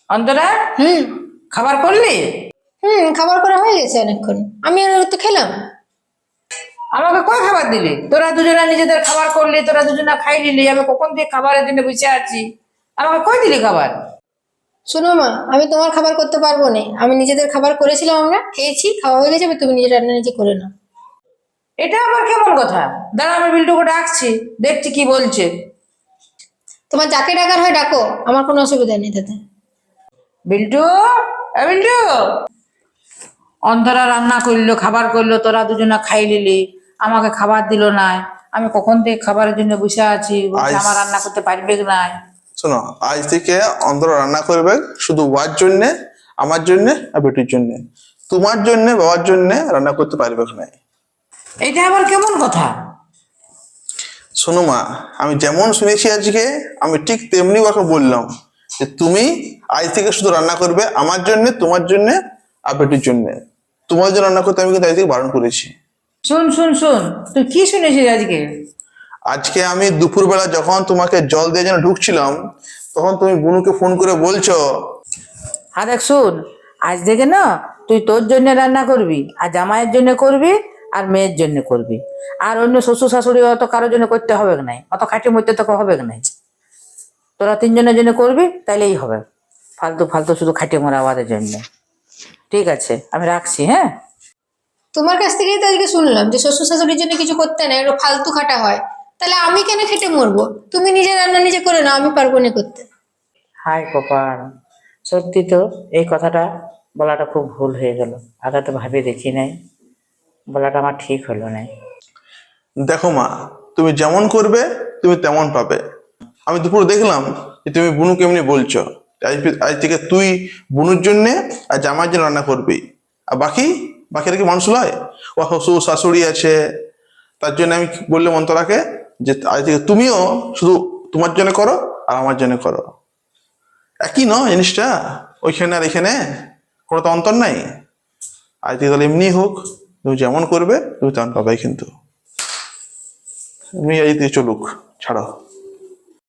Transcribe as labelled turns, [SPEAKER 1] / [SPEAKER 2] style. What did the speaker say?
[SPEAKER 1] অন্তরা,
[SPEAKER 2] হুম
[SPEAKER 1] খাবার করলি?
[SPEAKER 2] খাবার করা হয়ে গেছে অনেকক্ষণ। আমি আর তো খেলাম।
[SPEAKER 1] আমাকে কই খাবার দিলি? তোরা দুজনা নিজেদের খাবার করলি, তোরা দুজনা খাই নিলি, আমি কখন দিয়ে খাবারের জন্য বসে আছি। আমাকে কই দিলি খাবার?
[SPEAKER 2] শোনো মা, আমি তোমার খাবার করতে পারবো না। আমি নিজেদের খাবার করেছিলাম, আমরা খেয়েছি, খাওয়া হয়ে গেছে। তুমি নিজে রান্না নিজে করে নাও।
[SPEAKER 1] এটা আবার কেমন কথা? দাঁড়া, আমি বিল্টুকে ডাকছি, দেখছি কি বলছে।
[SPEAKER 2] তোমার যাকে ডাকার হয় ডাকো, আমার কোনো অসুবিধা নেই তাতে।
[SPEAKER 1] বিল্টু, বিল্টু। অন্তরা রান্না করলো, খাবার করলো, তোরা দুজনা খাই নিলি, আমাকে খাবার দিল না। আমি কখন থেকে খাবারের জন্য বসে আছি, বলছে
[SPEAKER 3] আজ
[SPEAKER 1] আমার রান্না করতে পারবে না।
[SPEAKER 3] শোনো, আজ থেকে অন্তর রান্না করবে শুধু ওয়ার জন্য, আমার জন্য আর বেটির জন্য। তোমার জন্য, বাবার জন্য রান্না করতে পারবে না।
[SPEAKER 1] এটা আবার কেমন কথা?
[SPEAKER 3] শোনো মা, আমি যেমন শুনেছি আজকে, আমি ঠিক তেমনি ওকে বললাম যে তুমি আজ থেকে শুধু রান্না করবে আমার জন্য, তোমার জন্য আর বেটির জন্য। তোমার জন্য রান্না করতে আমি কিন্তু আজ থেকে বারণ করেছি।
[SPEAKER 1] শুন শুন শুন, তুই কি শুনেছিস আজকে?
[SPEAKER 3] আজকে আমি দুপুরবেলা যখন তোমাকে জল দিয়ে যেন ঢুকছিলাম, তখন তুমি বুনুকে ফোন করে বলছো।
[SPEAKER 1] হ্যাঁ দেখ শুন, আজ থেকে না তুই তোর জন্য রান্না করবি, আর জামাইয়ের জন্য করবি, আর মেয়ের জন্য করবি। আর অন্য শ্বশুর শাশুড়ি অত কারোর জন্য করতে হবে না, অত খাটির মধ্যে তোকে হবে না। তোরা তিনজনের জন্য করবি, তাইলেই হবে। ফালতু ফালতু শুধু খাটিয়ে মরা আমাদের জন্য। ঠিক আছে, আমি রাখছি, হ্যাঁ।
[SPEAKER 2] তোমার কাছ থেকেই তো আজকে শুনলাম যে শ্বশুর শাশুড়ির জন্য কিছু করতে না, একটু ফালতু খাটা হয়। তাহলে আমি কেন খেটে মরবো? তুমি নিজে রান্না নিজে করে নাও, আমি পারবো না করতে।
[SPEAKER 1] হাই কপাল, সত্যি তো এই কথাটা বলাটা খুব ভুল হয়ে গেল। আগে তো ভাবে দেখি নাই, বলাটা আমার ঠিক হলো না।
[SPEAKER 3] দেখো মা, তুমি যেমন করবে তুমি তেমন পাবে। আমি দুপুর দেখলাম যে তুমি বুনুকে এমনি বলছো। আজ থেকে তুই বুনুর জন্যে আর জামাইয়ের জন্য রান্না করবি। আর বাকিরা কি মানুষ লয়? ও শ্বশুর শাশুড়ি আছে, তার জন্য আমি বললাম অন্তরাকে যে আজ থেকে তুমিও শুধু তোমার জন্য করো আর আমার জন্য করো। একই নয় জিনিসটা? ওইখানে আর এখানে কোনো তো অন্তর নাই। আজ থেকে তাহলে এমনি হোক, তুমি যেমন করবে তুমি তেমন পাবে। কিন্তু তুমি এই দিয়ে চলুক, ছাড়ো।